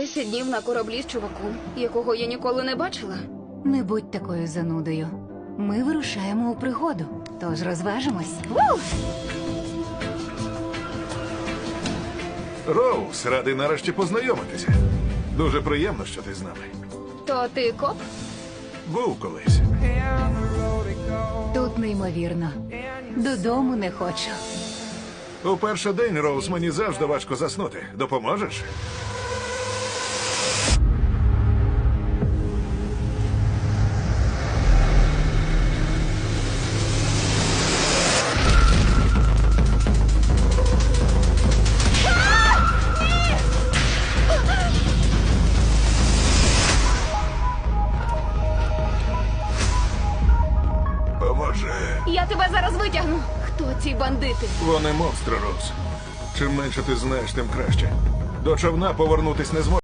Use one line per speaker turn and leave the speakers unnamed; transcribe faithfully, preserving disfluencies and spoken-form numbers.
Десять днів на кораблі з чуваком, якого я ніколи не бачила.
Не будь такою занудою. Ми вирушаємо у пригоду, тож розважимось. Ву!
Роуз, радий нарешті познайомитися. Дуже приємно, що ти з нами.
То ти коп?
Був колись.
Тут неймовірно. Додому не хочу.
У перший день, Роуз, мені завжди важко заснути. Допоможеш? Поможи.
Я тебе зараз витягну. Хто ці бандити?
Вони монстри, Роуз. Чим менше ти знаєш, тим краще. До човна повернутись не зможеш.